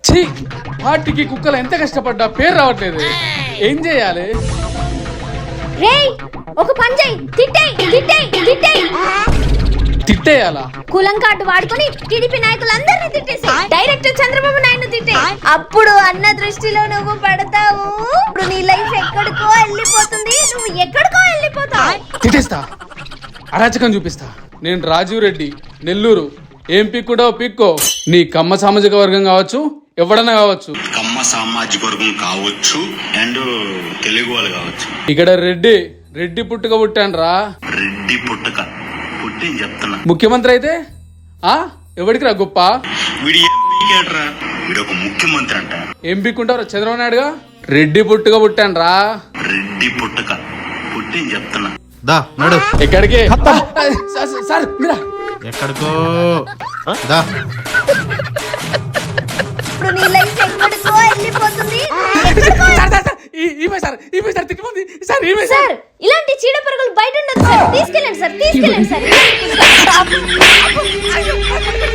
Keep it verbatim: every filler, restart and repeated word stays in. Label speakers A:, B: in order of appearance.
A: ఛీ, పార్టీకి కుక్కలు ఎంత కష్టపడ్డా పేరు రావట్లేదు. ఏం చేయాలి?
B: రేయ్ ఒక పని చెయ్యి, తిట్టేయ్ తిట్టేయ్ తిట్టేయ్.
A: తిట్టేయాలా?
B: కులం కార్డు వాడుకొని టీడీపీ నాయకులందరినీ తిట్టేసి డైరెక్ట్ చంద్రబాబు నాయుడు తిట్టే. అప్పుడు అన్న దృష్టిలో నువ్వు పడతావు. ఇప్పుడు నీ లైఫ్ ఎక్కడికో వెళ్ళిపోతుంది, నువ్వు ఎక్కడికో వెళ్ళిపోతావు.
A: తిట్టేస్తా, అరాచకం చూపిస్తా. నేను రాజీవ్ రెడ్డి, నెల్లూరు. ఏం పిక్కుంటావు పిక్కో. నీ కమ్మ సామాజిక వర్గం కావచ్చు, ఎవడన్నా కావచ్చు.
C: కమ్మ సామాజిక వర్గం కావచ్చు అండ్ తెలుగు వాళ్ళు కావచ్చు.
A: ఇక్కడ రెడ్డి రెడ్డి పుట్టుక పుట్టాను రా.
C: రెడ్డి పుట్టుక పుట్టి చెప్తున్నా.
A: ముఖ్యమంత్రి అయితే ఆ ఎవడికి రా గొప్ప?
C: వీడు ఏం పీకాడ్రా? వీడు ఒక ముఖ్యమంత్రి అంట.
A: ఏం పిక్కుంటావు చంద్రబాబు నాయుడుగా? రెడ్డి పుట్టుక పుట్టాను రా.
C: రెడ్డి పుట్టుక పుట్టి చెప్తున్నా.
D: దా నడు.
A: ఎక్కడికి? సార్ మీరా
D: ఎక్కడికో దా.
B: ఇప్పుడు నీ లైఫ్ ఎక్కడికో వెళ్ళిపోతుంది. సార్ ఇలాంటి చీడ పురుగులు బయట ఉండదు సార్. తీసుకెళ్ళండి సార్, తీసుకెళ్ళండి సార్.